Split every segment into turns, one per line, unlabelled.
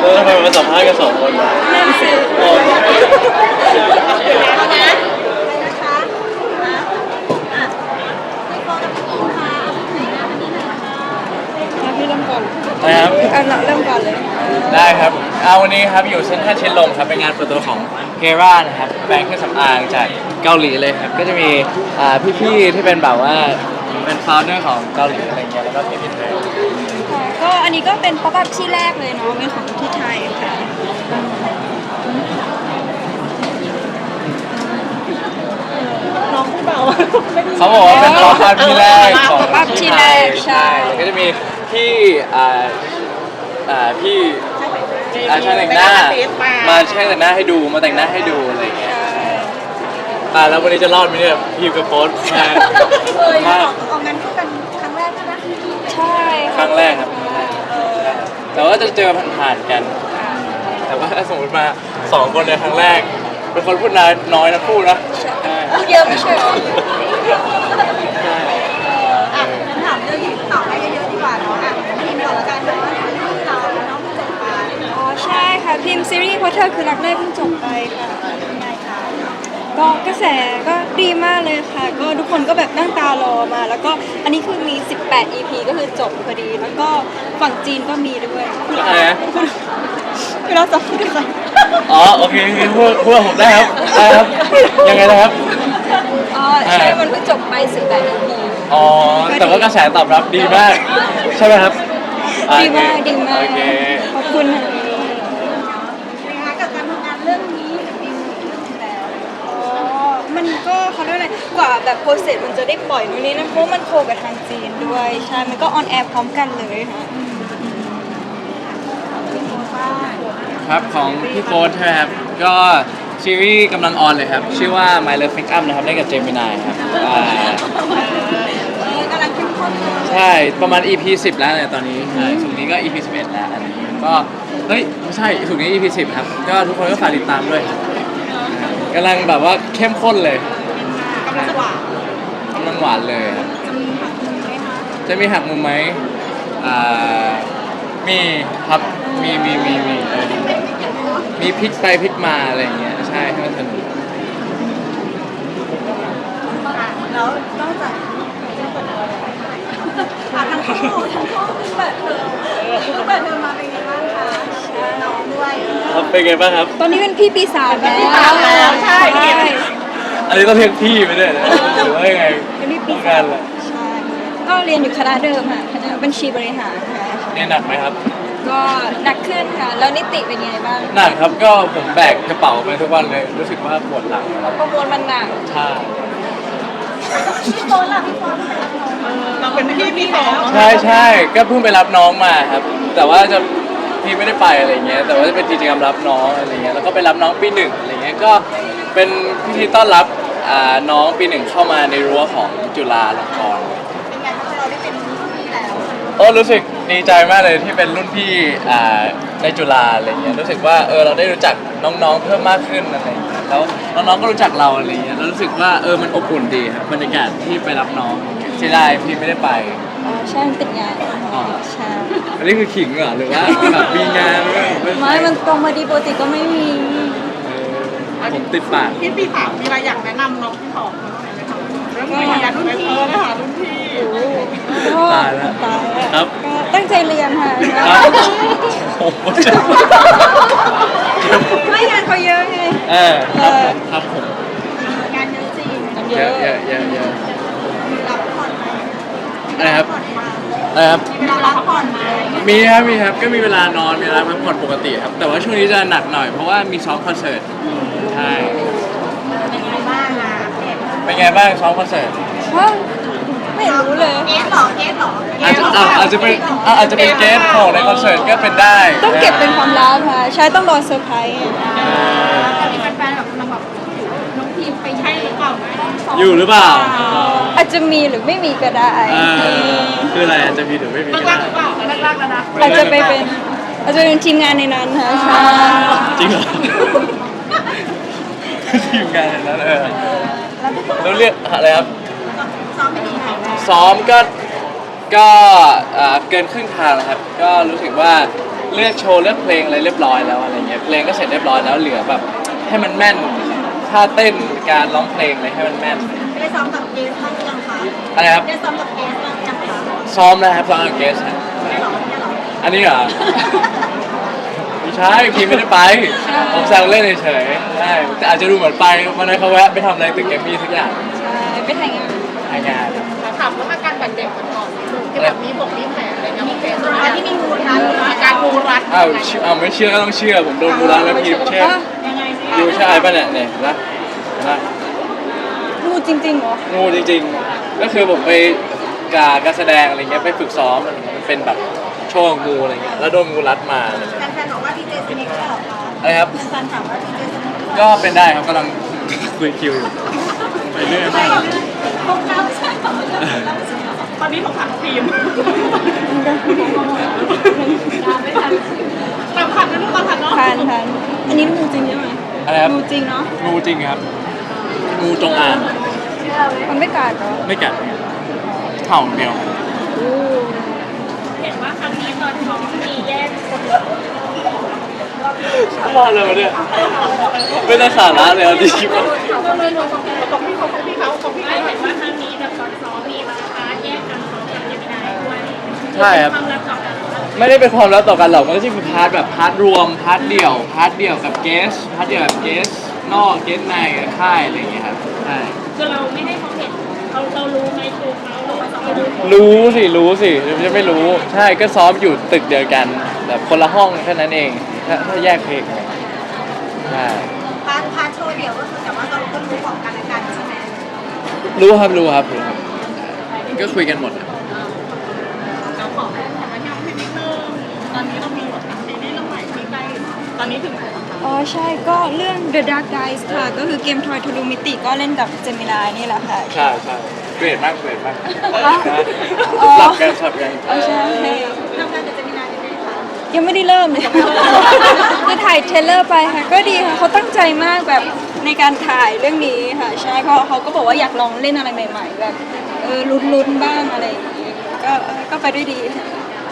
ทำไมมาสัมภาษณ์กัน2 คนล่ะ
นั่นสิ
โอ้
พี่เริ่มก่อน
นะครับ
เริ่มก่อนเลย
ได้ครับวันนี้ครับอยู่เซ็นทรัลชิดลมครับเป็นงานเปิดตัวของเกรานะครับแบรนด์เครื่องสำอางจากเกาหลีเลยครับก็จะมีพี่ๆที่เป็นแบบว่าเป็นฟาวเดอร์ของเกาหลีอะไรเงี้ยแล้วก็พี่ๆไทย
ก็อันนี้ก็เป็นป๊อปอัพที่แรกเลยเนาะเป็นของที่ไทยค่ะน้องเบา
เขาบอกว่าเป็นป๊อปอัพที่แรกของ
ป๊อปอัพที่แรกใช่
แล้วก็จะมีพี่พี่ช่างแต่งหน้ามาช่างแต่งหน้าให้ดูมาแต่งหน้าให้ดูอะไรเงี้ยแล้ววันนี้จะรอดไหมเนี่ยพี่กับโป๊ตมา
ออกงานคู่กันครั้งแรกใช่ไหมใช่
ครั้งแรกครับแต่ว่าจะเจอผ่านๆกันแต่ว่าถ้าสมมติมา2 คนในครั้งแรกเป็นคนพูดน้อยนะพูดนะ
พูดเยอะไม่ใช่หรอ
ใช่
งั้นถามเรื่องที่ตอบให้เยอะๆดีกว่าเนาะพิมพ์ก่อนละกันเนาะเราน้องเพิ่งจบไปอ๋อใช่ค่ะพิมพ์ซีรีส์เพราะเธอคือรักแรกเพิ่งจบไปค่ะยังไงคะก็กระแสก็ดีมากเลยค่ะก็ทุกคนก็แบบนั่งตารอมาแล้วก็อันนี้คือมี18 EP ก็คือจบพอดีแล้วก็ฝั่งจีนก็มีด้วย
อะไรนะ
คือเราจะพูดกัน
อ๋อโอเคพูดผมได้ครับได้ครับยังไงนะครับ
อ๋อใช่มันเพิ่งจบไป18 EP
อ๋อแต่ว่ากระแสตอบรับดีมากใช่ไหมครับ
ดีมากดีมาก
โอเค
ขอบคุณนะคะกับการทำงานเรื่องนี้ดีแล้วอ๋อมันก็เขาเรียกอะไรกว่าแบบโปรเซสมันจะได้ปล่อยนู่นนี่นะเพราะมันโคกับทางจีนด้วยใช่มันก็ออนแอร์พร้อมกันเลยค่ะ
ครับของพี่โฟร์ใช่ไหมครับก็ซีรีส์กำลังออนเลยครับชื่อว่า My Love Make Up นะครับเล่นกับเจมินายครับ
กำลังเข้มข้น
ใช่ประมาณ EP 10แล้วเนี่ยตอนนี้ใช่สุดนี้ก็ EP 11แล้วอันนี้ก็เฮ้ยไม่ใช่สุดนี้ EP 10ครับก็ทุกคนก็ฝากติดตามด้วยกำลังแบบว่าเข้มข้นเลย
กำลังหวาน
กำลังหวานเลยครับจะมีหักมุมไหมมีครับมีพลิกไปพลิกมาอะไรอย่างเงี้ยใช่ให้มันสนุก
แล้วนอกจากทั้งคู่เปิดเทอมมาเป็นไงบ้างคะน้องด้วย
ครับเป็นไงบ้างครับ
ตอนนี้เป็นพี่ปี3แล้วใช่
อันนี้ต้องเรียกพี่ไปด้วยนะหรือว่ายังไง
เป็นพี่ปี
3กันแหละ
ใช่ก็เรียนอยู่คณะเดิมค่ะคณะบัญชีบริหารค่ะ
เรียนหนักไหมครับ
ก็หนักขึ้นค่ะแล้วนิติเป็นยังไงบ้าง
หนักครับก็ผมแบกกระเป๋าไปทุกวันเลยรู้สึกว่าปวดหลัง
ประมวลมันหนัก
ใช่
พี่โฟนล่ะพี่โฟนเราเป็นพี่ปี2
ใช่ก็เพิ่งไปรับน้องมาครับแต่ว่าจะพี่ไม่ได้ไปอะไรเงี้ยแต่ว่าจะเป็นกิจกรรมรับน้องอะไรเงี้ยแล้วก็ไปรับน้องปี 1อะไรเงี้ยก็เป็นพิธีต้อนรับน้องปี 1เข้ามาในรั้วของจุฬาลงกรณ์
เป็นไงคะเราได้เป็นรุ่นพี่แล้ว
รู้สึกดีใจมากเลยที่เป็นรุ่นพี่ในจุฬาอะไรเงี้ยรู้สึกว่าเราได้รู้จักน้องๆเพิ่มมากขึ้นอะไรเงี้ยแล้วน้องๆก็รู้จักเราอะไรเงี้ยแล้วรู้สึกว่ามันอบอุ่นดีครับบรรยากาศที่ไปรับน้องเสียดายพี่ไม่ได้ไป
ใช่ติดงานใช่
อันนี้คือขิงเหรอหรือว่าแบบมีงาน
ไม่มันตรงมาดีปกติก็ไม่มี
ผมติดปาก
พี่ปี3มีอะไรอยากแนะนำน้องที่2เรื่องวิทยารุ่นพี่นะคะรุ่นพี่
ตายแล้วครับ
ตั้งใจเรียนค่ะไม่งานเขาเยอะไง
ครับผม
งานเยอะจริง
เยอะ
รับผ่อนไหม
อะไรครับ
มีเวลารับผ่อนไหม
มีครับก็มีเวลานอนมีเวลาพักผ่อนปกติครับแต่ว่าช่วงนี้จะหนักหน่อยเพราะว่ามีซ้อมคอนเสิร์ตใช่
เป็นไงบ้างอ่ะ
เป็นไงบ้างซ้อมคอนเสิร์ต
ไม่รู้เลยเกสหรอ
อาจจะเป็นเกสของในคอนเสิร์ตก็เป็นได้
ต้องเก็บเป็นความลับค่ะใช่ต้องรอเซอร์ไพรส์
จะมีแฟนๆแบบน้องทีมไปใช่หรือเปล่า
อยู่หรือเปล่า
อาจจะมีหรือไม่มีก็ได้
คืออะไรอาจจะมีหรือไม่มี
ก็ได้หรือเปล่าแรกๆแล้วนะ
อาจจะเป็นทีมงานในนั้นค่ะใช่
จริงเหรอทีมงานในนั้นแล้วเรียกอะไรครับซ้อมก็เกินครึ่งทางแล้วครับก็รู้สึกว่าเลือกโชว์เลือกเพลงอะไรเรียบร้อยแล้วอะไรเงี้ยเพลงก็เสร็จเรียบร้อยแล้วเหลือแบบให้มันแม่นท่าเต้นการร้องเพลงอะไรให้มันแม่น
ได้ซ้อมกับเกสบ้างหรือยังคะ
อะไรครับ
ได้ซ้อมกับเกสบ้างหรือยังคะ
ซ้อมนะครับซ้อมกับเกสฮะ
ไม่หรอไม่หรอ
อันนี้เหรอ ไม่ใช่พีไม่ได้ไปผมแซวเล่นเฉยๆใช่แต่อาจจะดูเหมือนไปวันนั้นเขาแวะไปทำอะไรตึกแกรมมี่ทุกอย่าง
ใช่ไปถ่ายงาน
ทำงาน
ถามว่าอาการบาดเจ็บก่อนที่แบบมีแผลอะไรเงี้ยมีแผล
ที่มีงูรัด
อาการงูรัด
อ้าวไม่เชื่อก็ต้องเชื่อผมโดนบูลาแล้วพีเชื่อ
ยังไงสิ
อยู่ใช่ป่ะเนี่ยเนี่ยนะนะ
งูจริงๆเหรอ
งูจริงๆ ก็คือผมไปการแสดงอะไรเงี้ยไปฝึกซ้อมมันเป็นแบบโชว์งูอะไรเงี้ยแล้วโดนงูรัดมาอะไรเงี้ย
แฟนๆบอกว่าดีเจสนิกใช่หรอคะ
อะไรครับ
แฟนๆถามว่าดีเจสนิก
ก็เป็นได้ครับกำลังคุยคิวอยู่ไปเรื่อยมาก
พวกเราใช่หรอ
ตอนนี้ของถังทีมตามขันนะลูกตามขันเนาะ
ทันอันนี้งูจริงใช่ไหม
อะไรครับ
งูจริงเนาะ
งูจริงครับงูจงอาง
มันไม่กัดเหรอ
ไม่กัดเห่าเดียว
เห็นว่าครั้งนี้ตอนท้องมีแยก
รอดเลยวะเนี่ยไม่ต้องสาระเลยเอาจริง
ของพี่เขาเห็นว่าครั้งนี้แบบตอนซ้อมมีมาพาแยกกันซ้อมกับเจมินายด้วย
ใช่ครับ
ความรักต่อกัน
ไม่ได้เป็นความลับต่อกันหรอกมันก็จะมีพาร์ทแบบพาร์ทรวมพาร์ทเดี่ยวพาร์ทเดี่ยวกับเกสพาร์ทเดี่ยวกับเกสนอกเกสในค่ายอะไรอย่างเงี้ยครับใช่
คือเราไม่ให้เขาเห็นเรารู้ไหมคือเขาไม่รู้
รู้สิจะไม่รู้ใช่ก็ซ้อมอยู่ตึกเดียวกันแบบคนละห้องแค่นั้นเองถ้าแยกเพลงใช่
พาร์ทโชว์เดี่ยวก็คือแต่ว่าเราก็รู้ของกันและกันใช่ไหม
รู้ครับก็คุยกันหมดครับ
เราขอแค่ทำให้เราให้นิดนึงตอนนี้เรามีบทบาทในเรื่องใหม่ที่ใกล้ตอนนี้ถึง
อ๋อใช่ก็เรื่อง The Dark Dice ค่ะ ก็คือเกมทอยทะลุมิติก็เล่นกับเจมินายนี่แหละค่ะ
ใช่เกรดมาก
อ๋อ
หลับกันสับกัน
อ๋อใช่
ทำงานกับเจมินายยังไงคะ
ยังไม่ได้เริ่มเลย จะถ่ายเทรลเลอร์ไปค่ะ ก็ดีค่ะเขาตั้งใจมากแบบในการถ่ายเรื่องนี้ค่ะ ใช่เขาก็บอกว่าอยากลองเล่นอะไรใหม่ๆ แบบลุ้นๆบ้างอะไรอย่างงี้ก็ไปด้วยดีค่ะ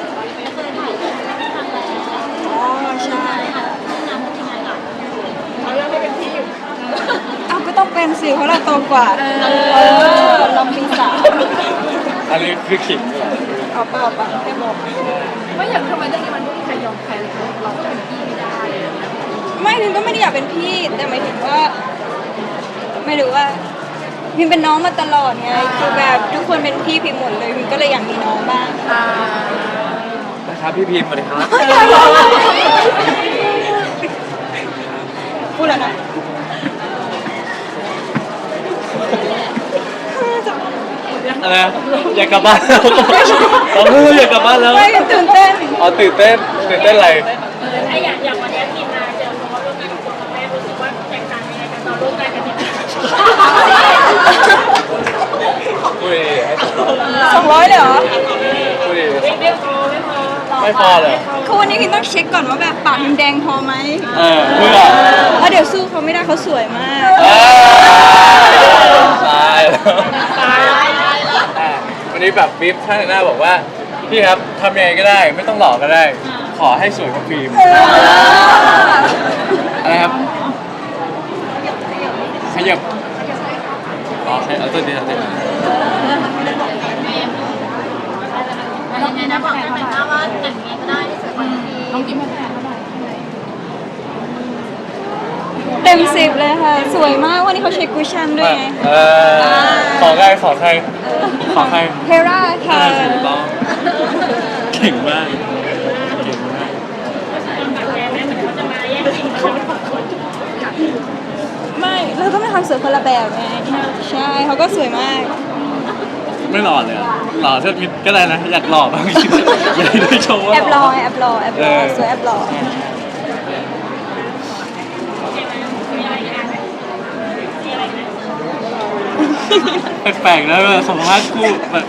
อ๋อใช่ค่ะ
เขาเลือกให้เป็นพี่อยู่
เอาก็ต้องเป็นสิเพราะเราโตกว่าเราปีสาม
อันนี้คือขิงเหรอ
เอาเปล่าแค่บอก
ไม่อยากทำไมเรื่องนี้มันไม่มีใครยอมใครเลยเราก็เป็นพี่ไม่ได้
ไม่พิมก็ไม่ได้อยากเป็นพี่ แต่หมายถึงว่า ไม่รู้ว่าพิมเป็นน้องมาตลอดไงคือแบบทุกคนเป็นพี่พิมหมดเลยพิมก็เลยอยากมีน้องบ้าง
นะครับพี่พีมสวัสดีครับ
พูดแล้วนะ
อะไรนะอยากกลับบ้านแล้วอยากกลับบ้านแล้ว
ไม่ตื่นเต้น
อ๋อตื่นเต้นอะไร
ถ้าอย่างวันนี้ทีมงานเจอน้องร่วมงานกับคุณแม่รู้สึกว่าแตกต่างยังไงกันตอนร่วมงานกันเนี่ย
คุย
200เลยเหรอ
คุย
ไม่พอ
ไม่พอเหรอ
คือวันนี้พิมต้องเช็คก่อนว่าแบบปากพิมแดงพอไหม
เพื่อ
เพราะเดี๋ยวสู้เขาไม่ได้เขาสวยมาก
ตายวันนี้แบบบิ๊บท่านหน้าบอกว่าพี่ครับทำยังไงก็ได้ไม่ต้องหล่อก็ได้ ขอให้สวยกว่าฟิล์มอะไรครับขยับอ๋อใช่เอาตัวนี้เอาตัวนี้
ยังไงนะบอกได้ไหมว่าแต่งยังไงก็ได้ที่สวยกว่าพี่น้องกินไม่ได้เท่าไหร่
เต็ม10เลยค่ะ สวยมากวันนี้เขาเช็คคุชชั่นด้วยไง
ขอใคร
เทราค่ะ
ถูกต้องเก่งมาก
แบบแกแม่เหมือนเขาจะมาแย่งชิงเขาเป็นคน
ไม่เราต้องไปทำสวยคนละแบบไงใช่เขาก็สวยมาก
ไม่หล่อเลยอะหล่อเท่ามิดก็ได้นะอยากหล่อบ้างอยากได้โชว์ว่า
แอบรอสวยแอบรอ
แปลกๆนะแบบสัมภาษณ์คู่แบบ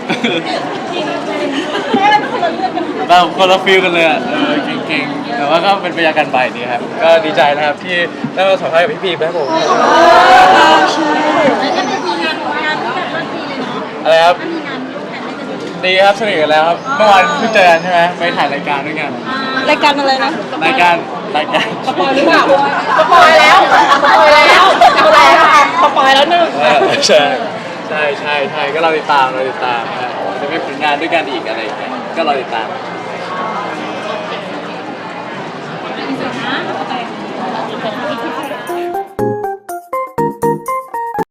แบบคนละฟีลกันเลยอ่ะเก่งๆแต่ว่าก็เป็นบรรยากาศใหม่ดีครับก็ดีใจนะครับที่ได้มาสัมภาษณ์กับพี่พีครับผม
ใช่
แล้วก็ไม่มีงานแบบว่าดีเลยเนาะ
อะไรครับ
ถ้ามีงานร่วมกันได้จะดี
ดีครับสนิทกันแล้วครับเมื่อวานเพิ่งเจอกันใช่ไหมไปถ่ายรายการด้วยกัน
รายการอะไรนะ
รายการ
สปอยหรือเปล่าสปอยแล้วสปอยแล้วสปอยแล้วหนึ่ง
ใช่ก็เราติดตามครับจะมีผลงานด้วยกันอีกอะไรอย่างเงี้ยก็เราติดตาม